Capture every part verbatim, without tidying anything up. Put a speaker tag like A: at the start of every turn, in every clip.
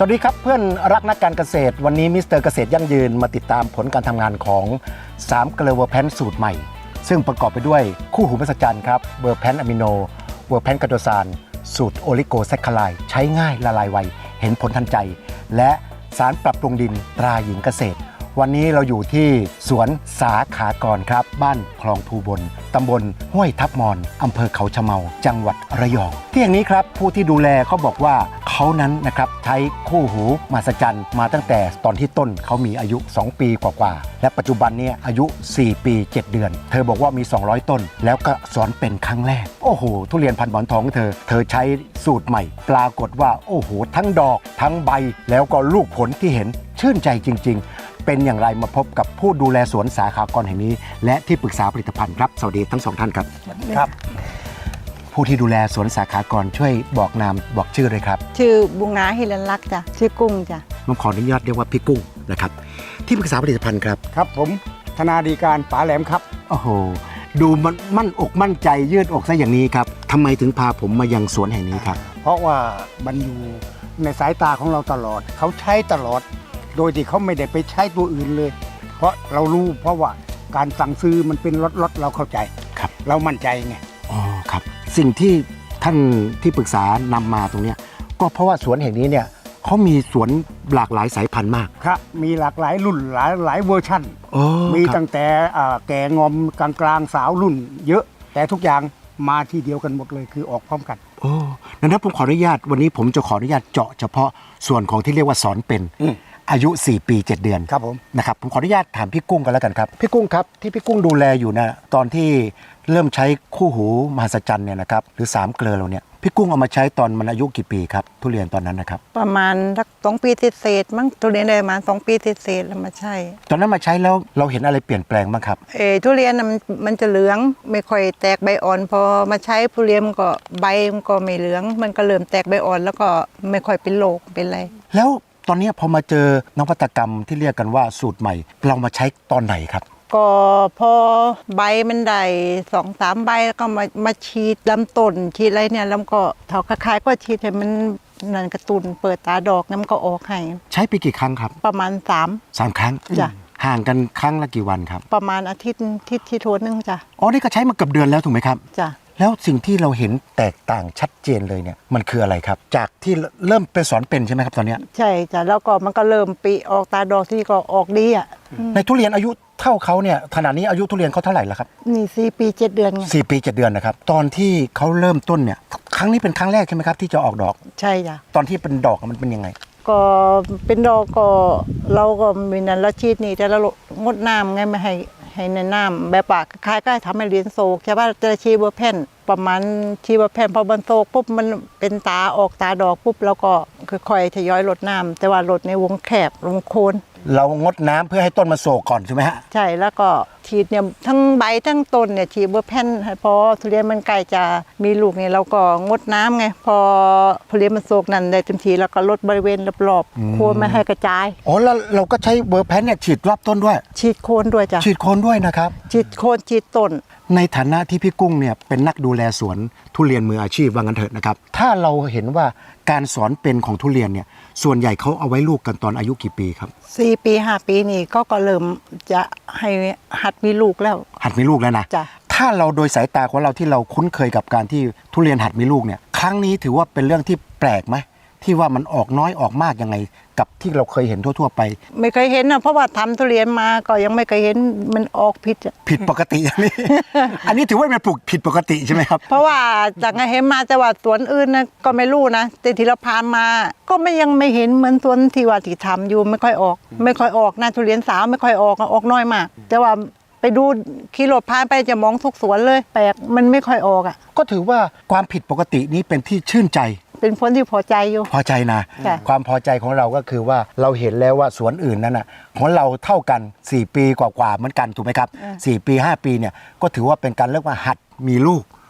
A: สวัสดีครับเพื่อนรักนักการเกษตรวันนี้มิสเตอร์เกษตรยั่งยืนมาติดตามผลการทำงานของสามเกลือเวอร์แพนสูตรใหม่ซึ่งประกอบไปด้วยคู่หูมหัศจรรย์ครับเวอร์แพนอะมิโนเวอร์แพนกาโดซานสูตรโอลิโกแซคคาไลด์ใช้ง่ายละลายไวเห็นผลทันใจและสารปรับปรุงดินตราหญิงเกษตรวันนี้เราอยู่ที่สวนสาขากรครับบ้านคลองภูบลตำบลห้วยทับมอนอำเภอเขาชะเมาจังหวัดระยองที่อย่างนี้ครับผู้ที่ดูแลเขาบอกว่าเขานั้นนะครับใช้คู่หูมหัศจรรย์มาตั้งแต่ตอนที่ต้นเขามีอายุสองปีกว่าๆและปัจจุบันนี้อายุสี่ปีเจ็ดเดือนเธอบอกว่ามีสองร้อยต้นแล้วก็สอนเป็นครั้งแรกโอ้โหทุเรียนพันธุ์หมอนทองของเธอเธอใช้สูตรใหม่ปรากฏว่าโอ้โหทั้งดอกทั้งใบแล้วก็ลูกผลที่เห็นชื่นใจจริงๆเป็นอย่างไรมาพบกับผู้ดูแลสวนสาขากรแห่งนี้และที่ปรึกษาผลิตภัณฑ์ครับสวัสดีทั้งสองท่านครับครับผู้ที่ดูแลสวนสาขากรช่วยบอกนามบอกชื่อเลยครับ
B: ชื่อบุงาฮิรันลักษ์จ้ะชื่อกุ้งจ้ะ
A: ผมขออนุญาตเรียกว่าพี่กุ้งนะครับที่ปรึกษาผลิตภัณฑ์ครับ
C: ครับผมธนาดีการป๋าแหลมครับ
A: โอ้โหดูมันมั่นอกมั่นใจยืดอกซะอย่างนี้ครับทำไมถึงพาผมมายังสวนแห่งนี้ครับ
C: เพราะว่ามันอยู่ในสายตาของเราตลอดเขาใช้ตลอดโดยที่เขาไม่ได้ไปใช้ตัวอื่นเลยเพราะเรารู้เพราะว่าการสั่งซื้อมันเป็นล็อตๆเราเข้าใจ
A: ครับ
C: เรามั่นใจไง
A: อ๋อครับสิ่งที่ท่านที่ปรึกษานำมาตรงนี้ก็เพราะว่าสวนแห่งนี้เนี่ยเขามีสวนหลากหลายสายพันธุ์มาก
C: ครับมีหลากหลายรุ่นหลายหลายเวอร์ชั่นมีตั้งแต่แก่งอมกลางกลางสาวรุ่นเยอะแต่ทุกอย่างมาทีเดียวกันหมดเลยคือออกพร้อมกัน
A: โอ้นั้นผมขออนุญาตวันนี้ผมจะขออนุญาตเจาะเฉพาะส่วนของที่เรียกว่าสอนเป็นอายุสี่ปีเจ็ดเดือน
C: ครับผม
A: นะครับผมขออนุญาตถามพี่กุ้งกันแล้วกันครับพี่กุ้งครับที่พี่กุ้งดูแลอยู่นะตอนที่เริ่มใช้คู่หูมหัศจรรย์เนี่ยนะครับหรือสามเกลือเราเนี่ยพี่กุ้งเอามาใช้ตอนมันอายุกี่ปีครับทุเรียนตอนนั้นนะครับ
B: ประมาณสักสองปีเศษมั้งทุเรียนได้มาสองปีเศษแล้วมาใช้
A: ตอนนั้นมาใช้แล้วเราเห็นอะไรเปลี่ยนแปลงบ้างครับ
B: เออทุเรียนมันมันจะเหลืองไม่ค่อยแตกใบอ่อนพอมาใช้ทุเรียนมันก็ใบมันก็ไม่เหลืองมันก็เริ่มแตกใบอ่อนแล้วก็ไม่ค่อยเป็นโรคเป็นอะไร
A: แล้วตอนนี้พอมาเจอนวัตกรรมที่เรียกกันว่าสูตรใหม่เรามาใช้ตอนไหนครับ
B: ก็พอใบมันได้สองสามใบแล้วก็มามาฉีดลำต้นฉีดอะไรเนี่ยแล้วก็เถาคล้ายๆก็ฉีดให้มันนั่นกระตุ้นเปิดตาดอกน้ำก็ออกให้
A: ใช้ไปกี่ครั้งครับ
B: ประมาณสาม
A: สามครั้ง
B: จ้ะ
A: ห่างกันครั้งละกี่วันครับ
B: ประมาณอาทิตย์ที่ที่โทนนึงจ้ะ
A: อ๋อนี่ก็ใช้มาเกือบเดือนแล้วถูกไหมครับ
B: จ้ะ
A: แล้วสิ่งที่เราเห็นแตกต่างชัดเจนเลยเนี่ยมันคืออะไรครับจากที่เริ่มเป็นสอนเป็นใช่ไหมครับตอนนี้
B: ใช่จ้ะแล้วก็มันก็เริ่มปีออกตาดอกที่ก็ออกดีอ่ะ
A: ในทุเรียนอายุเท่าเขาเนี่ยขณะนี้อายุทุเรียนเขาเท่าไหร่แล้วครับ
B: นี่สี่ปีเจ็ดเดือนไง
A: สี่ปีเจ็ดเดือนนะครับตอนที่เขาเริ่มต้นเนี่ยครั้งนี้เป็นครั้งแรกใช่ไหมครับที่จะออกดอก
B: ใช่จ้ะ
A: ตอนที่เป็นดอกมันเป็นยังไง
B: ก็เป็นดอกก็เราก็มีนันละชีดนี่แต่เรางดน้ำไงไม่ให้ให้ในน้ำแบบปากคล้ายก็ทำให้เรียนโศกใช่ป่ะจะชีเบอร์แผ่นประมาณชีเบอร์แผ่นพอบันโศกปุ๊บมันเป็นตาออกตาดอกปุ๊บแล้วก็ค่อยๆทยอยลดน้ำแต่ว่าลดในวงแคบวงโคน
A: เรางดน้ำเพื่อให้ต้นมาโศกก่อนใช่ไหมฮะ
B: ใช่แล้วก็ฉีดเนี่ยทั้งใบทั้งต้นเนี่ยฉีดเบอร์แผ่นพอทุเรียนมันใกล้จะมีลูกเนี่ยเราก็งดน้ำไงพอทุเรียนมันโศกนั่นได้เต็มทีแล้วก็ลดบริเวณรอบๆโคนไม่ให้กระจาย
A: อ๋อแล้วเราก็ใช้เบอร์แผ่นเนี่ยฉีดรอบต้นด้วย
B: ฉีดโคนด้วยจ้ะ
A: ฉีดโคนด้วยนะครับ
B: ฉีดโคนฉีดต้น
A: ในฐานะที่พี่กุ้งเนี่ยเป็นนักดูแลสวนทุเรียนมืออาชีพว่างั้นเถอะนะครับถ้าเราเห็นว่าการสอนเป็นของทุเรียนเนี่ยส่วนใหญ่เขาเอาไว้ลูกกันตอนอายุกี่ปีครับ
B: สี่ปีห้าปีนี่ก็ก็เริ่มจะให้หัดมีลูกแล้ว
A: หัดมีลูกแล้วนะ
B: จ้ะ
A: ถ้าเราโดยสายตาของเราที่เราคุ้นเคยกับการที่ทุเรียนหัดมีลูกเนี่ยครั้งนี้ถือว่าเป็นเรื่องที่แปลกไหมที่ว่ามันออกน้อยออกมากยังไงกับที่เราเคยเห็นทั่วๆไป
B: ไม่เคยเห็นนะเพราะว่าทำทุเรียนมาก็ยังไม่เคยเห็นมันออกผิด
A: ผิดปกติอย่างนี้ อันนี้ถือว่าเป็นปลูกผิดปกติใช่ไหมครับ
B: เพราะว่าจากเห็นมาแต่ว่าสวนอื่นนะก็ไม่รู้นะแต่ที่เราพามาก็ไม่ยังไม่เห็นเหมือนสวนที่ว่าที่ทำอยู่ไม่ค่อยออกไม่ค่อยออกนะทุเรียนสาวไม่ค่อยออกออกน้อยมากแต่ว่าไปดูขี่รถผ่านไปจะมองทุกสวนเลยแปลกมันไม่ค่อยออกอ่ะ
A: ก็ถือว่าความผิดปกตินี้เป็นที่ชื่นใจ
B: เป็นผลที่พอใจอยู่
A: พอใจนะความพอใจของเราก็คือว่าเราเห็นแล้วว่าสวนอื่นนั้นน่ะของเราเท่ากันสี่ปีกว่าๆเหมือนกันถูกไหมครับสี่ปีห้าปีเนี่ยก็ถือว่าเป็นการเรียกว่าหัดมีลูก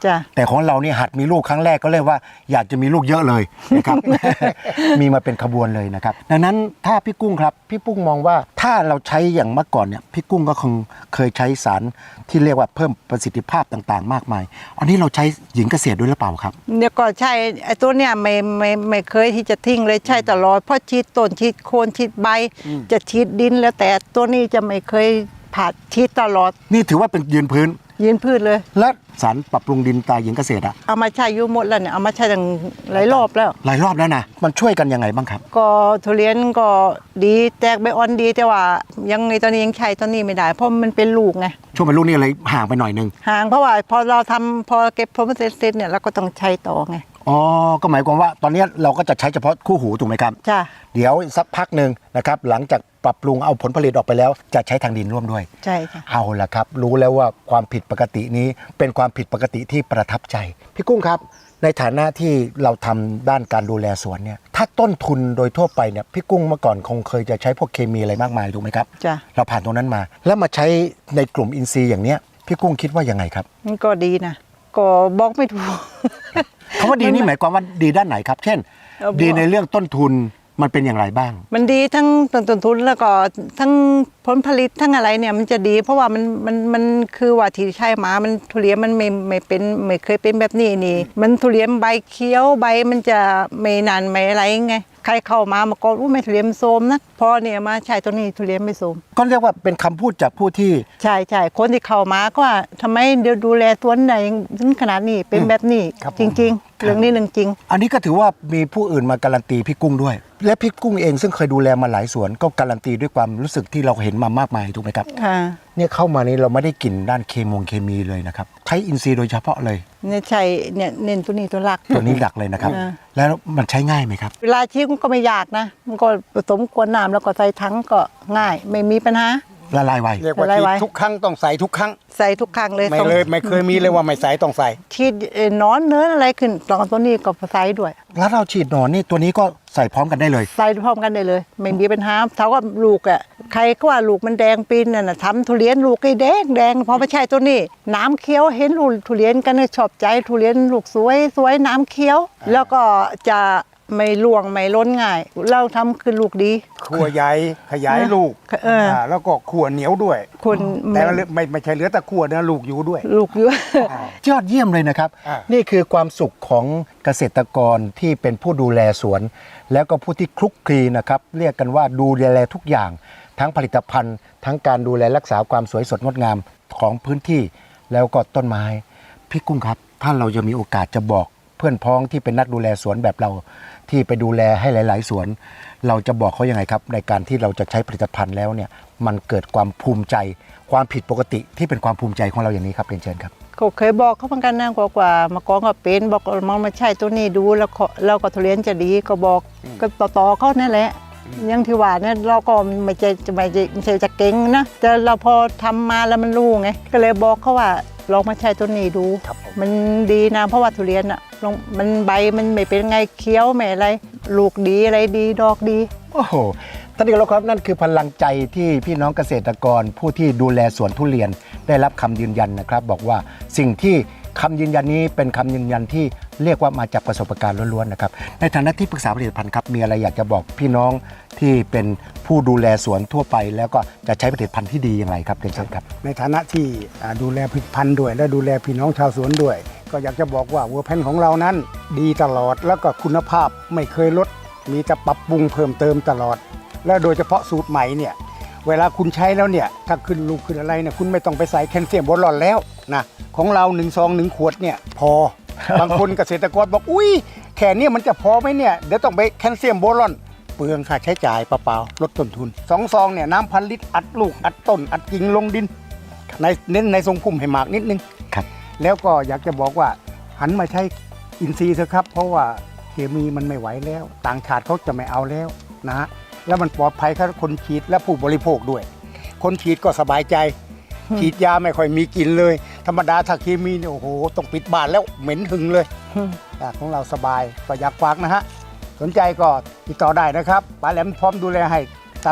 B: จ้ะ
A: แต่ของเราเนี่ยหัดมีลูกครั้งแรกก็เลยว่าอยากจะมีลูกเยอะเลยนะครับ มีมาเป็นขบวนเลยนะครับดังนั้นถ้าพี่กุ้งครับพี่กุ้งมองว่าถ้าเราใช้อย่างเมื่อก่อนเนี่ยพี่กุ้งก็คงเคยใช้สารที่เรียกว่าเพิ่มประสิทธิภาพต่างๆ มากมายอันนี้เราใช้หญิงเกษตรด้วยหรือเปล่าครับ
B: เนี่ยก็ใช่ไอ้ตัวเนี่ยไม่ไม่ไม่เคยที่จะทิ้งเลยใช่ตลอดเพราะฉีดต้นฉีดโคนฉีดใบ จะฉีดดินแล้วแต่ตัวนี้จะไม่เคยผ่าฉีดตลอด
A: นี่ถือว่าเป็นยืนพื้น
B: ยืนพืชเลย
A: และสารปรับปรุงดินตาหญิงเกษตรอะ
B: เอามาใช้อยุ่หมดแล้วเนี่ยเอามาใช้ตั้งหลายรอบแล้ว
A: หลายรอบแล้วนะมันช่วยกันยังไงบ้างครับ
B: ก็ทุเรียนก็ดีแตกใบอ่อนดีแต่ว่ายังในตอนนี้ยังใช้ตอนนี้ไม่ได้ เพราะมันเป็นลูกไง
A: ช่วงเป็นลูกนี่เลยห่างไปหน่อยนึง
B: ห่างเพราะว่าพอเราทำพอเก็บผลผลิตเสร็จเนี่ยเราก็ต้องใช้ต่อไง
A: อ๋อก็หมายความว่าตอนนี้เราก็จะใช้เฉพาะคู่หูถูกไหมครับ
B: จ้ะ
A: เดี๋ยวสักพักหนึ่งนะครับหลังจากปรับปรุงเอาผลผลิตออกไปแล้ว จะใช้ทางดินร่วมด้วย
B: ใช่ค่ะ
A: เอาละครับ รู้แล้วว่าความผิดปกตินี้เป็นความผิดปกติที่ประทับใจ พี่กุ้งครับ ในฐานะที่เราทำด้านการดูแลสวนเนี่ยถ้าต้นทุนโดยทั่วไปเนี่ยพี่กุ้งเมื่อก่อนคงเคยจะใช้พวกเคมีอะไรมากมายถูกไหมครับ
B: จ้ะ
A: เราผ่านตรงนั้นมา แล้วมาใช้ในกลุ่มอินทรีย์อย่างเนี้ยพี่กุ้งคิดว่ายังไงครับ
B: มันก็ดีนะก็บอกไม่ถูก
A: คำว่าดีนี่หมายความว่าดีด้านไหนครับ เช่น
B: เอาบอก
A: ดีในเรื่องต้นทุนมันเป็นอย่างไรบ้าง
B: มันดีทั้งต้นทุนแล้วก็ทั้งผลผลิตทั้งอะไรเนี่ยมันจะดี เพราะว่ามันมันมันคือว่าที่ใช่มามันทุเรียนมันไม่ไม่เป็นไม่เคยเป็นแบบนี้นี่ มันทุเรียนใบเขียวใบมันจะไม่นานไม่อะไรไงใครเข้ามามาก่อนอู้ไม่ทุเรียนโทรมนะพอเนี่ยมาใช้ตัวนี้ทุเรียนไม่โทรม
A: ก็เรียกว่าเป็นคำพูดจากผู้ที่
B: ใช่ใช่คนที่เข้ามาก็ว่าทำไมเดี๋ยวดูแลสวนไหนถึงขนาดนี้เป็นแบบนี้
A: ครับผม
B: จริง ๆ เรื่องนี้เรื่องจริง
A: อันนี้ก็ถือว่ามีผู้อื่นมาการันตีพี่กุ้งด้วย และพี่กุ้งเองซึ่งเคยดูแลมาหลายสวนก็การันตีด้วยความรู้สึกที่เราเห็นมามากมายถูกไหมครับ
B: ค่ะ
A: เนี่ยเข้ามานี้เราไม่ได้กลิ่นด้านเคมงเคมีเลยนะครับใช้อินทรีย์โดยเฉพาะเลย
B: เนี่ยใช่เนี่ยเน้นตัวนี้ตัวหลัก
A: ตัวนี้หลักเลยนะครับ
B: อ่า
A: แล้วมันใช้ง่ายไหมครับ
B: เวลาชี้มันก็ไม่ยากนะ มันก็ผสมกวนน้ำแล้วก็ใส่ถังก็ง่าย ไม่มีปัญหา
A: ละลายไว
C: เรียกว่า
B: อะไร
C: ฉีด
B: ไว้
C: ทุกครั้งต้องใส่ทุกครั้ง
B: ใส่ทุกครั้งเลย
C: ไม่
B: ต้อง
C: เลยไม่เคยมีเลยว่าไม่ใส่ต้องใส่
B: ชีดเอ่อนอนเนื้ออะไรขึ้นตอนตัวนี้ก็ใส่ด้วย
A: แล้วเราฉีดหนอนนี่ตัวนี้ก็ใส่พร้อมกันได้เลย
B: ใส่พร้อมกันได้เลย ไม่มีปัญหาเท่ากับลูกอ่ะใครก็ว่าลูกมันแดงปีนน่ะนะทำทุเรียนลูกไอ้แดงแดงพอไม่ใช่ตัวนี้ น้ำเคี้ยวเห็นลูกทุเรียนกันเนี่ยชอบใจทุเรียนลูกสวยสวยน้ำเคี้ยว แล้วก็จะไม่ล่วงไม่ล้นง่าย เราทำคือลูกดี
C: ขัวใหญ่ขยายลูก
B: เอออ่
C: าแล้วก็ขัวเหนียวด้วย
B: คน
C: แต่ว่าไม่ไม่ใช่เหลือแต่ขัวนะลูกอยู่ด้วย
B: ลูกเยอะ
A: ยอดเยี่ยมเลยนะครับ
C: อ่านี่
A: นี่คือความสุขของเกษตรกรที่เป็นผู้ดูแลสวน แล้วก็ผู้ที่คลุกคลีนะครับเรียกกันว่าดูแลทุกอย่าง ทั้งผลิตภัณฑ์ ทั้งการดูแลรักษาความสวยสดงดงามของพื้นที่แล้วก็ต้นไม้พี่กุ้งครับ ถ้าเราจะมีโอกาสจะบอกเพื่อนพ้องที่เป็นนักดูแลสวนแบบเรา ที่ไปดูแลให้หลาย ๆ สวน เราจะบอกเขายังไงครับในการที่เราจะใช้ผลิตภัณฑ์แล้วเนี่ยมันเกิดความภูมิใจ ความผิดปกติที่เป็นความภูมิใจของเราอย่างนี้ครับเรียนเชิญครับ
B: ก็เคยบอกเขาเหมือนกันนะกว่ากว่ามาก่อนก็เป็นบอกมองมาใช่ตัวนี้ดูแล้วก็เราก็ทุเรียนจะดีก็บอกก็ต่อต่อๆเขานั่นแหละอยังที่ว่าเนี่ยเราก็ไม่ใช่จะไม่ใช่ไม่ใช่จะเก่งนะแต่เราพอทำมาแล้วมันรู้ไงก็เลยบอกเขาว่าลองมาใช้ตัวนี้ดู
C: ครับผม
B: มันดีนะเพราะว่าทุเรียนอ่ะลองมันใบมันไม่เป็นไงเคี้ยวไม่อะไรลูกดีอะไรดีดอกดี
A: โอ้โหท่านที่เคารพครับนั่นคือพลังใจที่พี่น้องเกษตรกร ผู้ที่ดูแลสวนทุเรียนได้รับคำยืนยันนะครับ บอกว่าสิ่งที่คำยืนยันนี้เป็นคำยืนยันที่เรียกว่ามาจากประสบการณ์ล้วนๆนะครับในฐานะที่ปรึกษาผลิตภัณฑ์ครับมีอะไรอยากจะบอกพี่น้องที่เป็นผู้ดูแลสวนทั่วไป แล้วก็จะใช้ผลิตภัณฑ์ที่ดีอย่างไรครับเรียนเชิญครับ
C: ในฐานะที่อ่าดูแลผลิตภัณฑ์ด้วย และดูแลพี่น้องชาวสวนด้วย ก็อยากจะบอกว่าเวอร์แพนของเรานั้น ดีตลอดแล้วก็คุณภาพไม่เคยลด มีแต่ปรับปรุงเพิ่มเติมตลอด และโดยเฉพาะสูตรใหม่เนี่ยเวลาคุณใช้แล้วเนี่ยถ้าขึ้นลูกขึ้นอะไรเนี่ยคุณไม่ต้องไปใส่แคลเซียมบอลอนแล้วนะของเราหนึ่งซองหนึ่งขวดเนี่ยพอ บางคนเกษตรกรบอกอุ้ยแค่เนี้มันจะพอไหมเนี่ยเดี๋ยวต้องไปแคลเซียมบอลอนเปลืองค่าใช้จ่ายเปล่าๆลดต้นทุนสองซองเนี่ยน้ำพันลิตรอัดลูกอัดต้นอัดกิ่งลงดินในเน้นในทรงพุ่มให้มากนิดนึง
A: ครับ
C: แล้วก็อยากจะบอกว่าหันมาใช้อินทรีย์เถอะครับ เพราะว่าเคมีมันไม่ไหวแล้ว ต่างชาติเขาจะไม่เอาแล้วนะฮะแล้วมันปลอดภัยกับคนฉีดและผู้บริโภคด้วย คนฉีดก็สบายใจ ฉีดยาไม่ค่อยมีกลิ่นเลย ธรรมดาถ้าเคมีเนี่ยโอ้โหต้องปิดบ้านแล้วเหม็นหึงเลยแต่ของเราสบายก็อยากฝากนะฮะสนใจก็ติดต่อได้นะครับป้าแหลมพร้อมดูแลให้ตลอด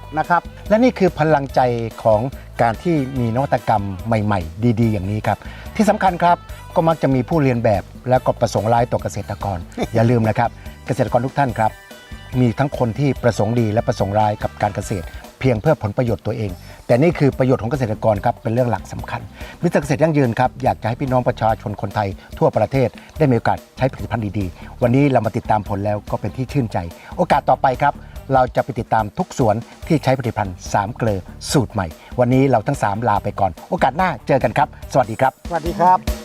C: นะครับ
A: และนี่คือพลังใจของการที่มีนวัตกรรมใหม่ๆ ดีๆ อย่างนี้ครับที่สำคัญครับก็มักจะมีผู้เรียนแบบและก็ประสงค์ร้ายต่อเกษตรกร อย่าลืมนะครับเกษตรกรทุกท่านครับมีทั้งคนที่ประสงค์ดีและประสงค์ร้ายกับการเกษตร เพียงเพื่อผลประโยชน์ตัวเอง แต่นี่คือประโยชน์ของเกษตรกรครับเป็นเรื่องหลักสำคัญมิสเตอร์เกษตรยั่งยืนครับอยากจะให้พี่น้องประชาชนคนไทยทั่วประเทศได้มีโอกาสใช้ผลิตภัณฑ์ดีๆวันนี้เรามาติดตามผลแล้วก็เป็นที่ชื่นใจ โอกาสต่อไปครับเราจะไปติดตามทุกสวนที่ใช้ผลิตภัณฑ์สามเกลอสูตรใหม่วันนี้เราทั้งสามลาไปก่อนโอกาสหน้าเจอกันครับสวัสดีครับ
C: สวัสดีครับ